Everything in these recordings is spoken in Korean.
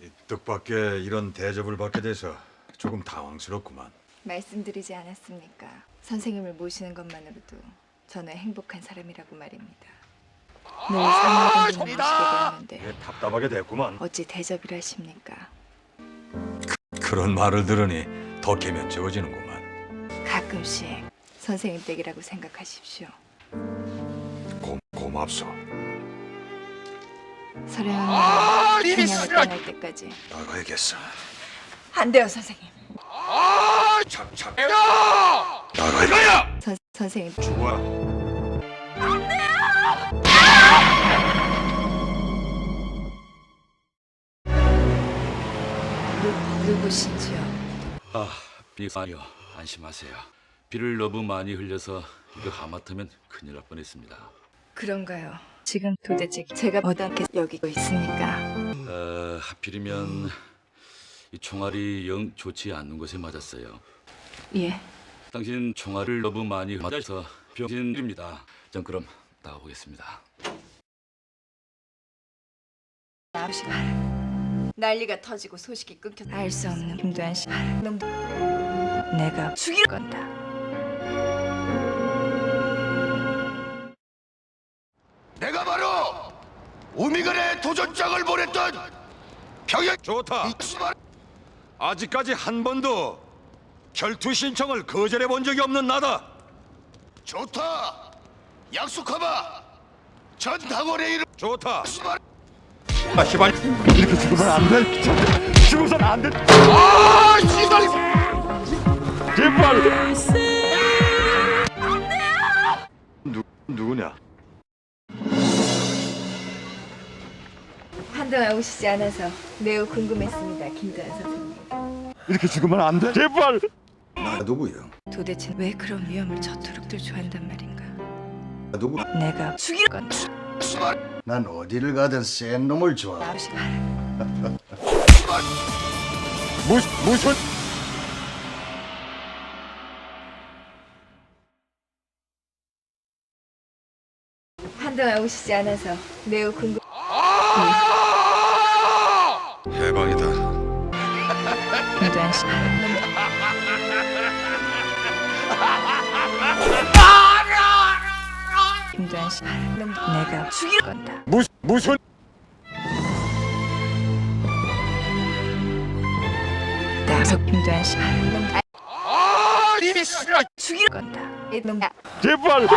뜻밖의 이런 대접을 받게 돼서 조금 당황스럽구만. 말씀드리지 않았습니까? 선생님을 모시는 것만으로도 저는 행복한 사람이라고 말입니다. 늘 사모님을 모시게 되었는데 왜 답답하게 됐구만. 어찌 대접이라 하십니까? 그런 말을 들으니 더 개면쩍어지는구만. 가끔씩 선생님 댁이라고 생각하십시오. 고맙소. 서령이 그냥을 떠날 때까지 나가야겠어. 안 돼요, 선생님. 참. 나가야. 선생님 죽어라. 누구신지요? 비아니요, 안심하세요. 비를 너무 많이 흘려서 이거 하마터면 큰일 날 뻔했습니다. 그런가요? 지금 도대체 제가 어떻게 여기고 있습니까? 하필이면 이 총알이 영 좋지 않는 곳에 맞았어요. 예. 당신 총알을 너무 많이 맞아서 병신입니다. 전 그럼 나가보겠습니다. 아버지 난리가 터지고 소식이 끊겨 알 수 없는 김도한 씨 놈 내가 죽일 건다. 내가 바로 우미간의 도전장을 보냈던 평양 좋다. 이수만 아직까지 한 번도 결투 신청을 거절해 본 적이 없는 나다. 좋다. 약속하마. 전 당원의 이름 좋다. 수만 시발. 이렇게 죽으면 안 돼. 죽어선 안 돼. 아 시달이 제발. 누구냐? 한동안 오시지 않아서 매우 궁금했습니다, 김도한 선생님. 이렇게 죽으면 안 돼. 제발. 나 누구야? 도대체 왜 그런 위험을 저토록들 좋아한단 말인가? 나 누구? 내가 죽일 건다. 수만 난 어디를 가든 센 놈을 좋아. 아버지 무슨? 한동안 오시지 않아서 매우 궁금. 해방이다. 김도한 씨 김도한 씨 내가 죽일 건다. 무슨? 나서 김도한 씨 이미 싫어. 죽일 건다. 이놈 제발.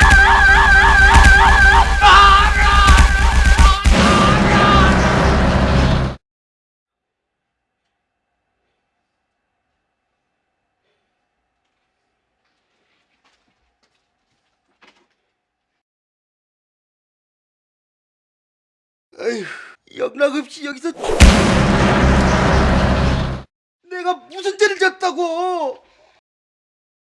에휴, 영락없이 여기서 내가 무슨 죄를 졌다고?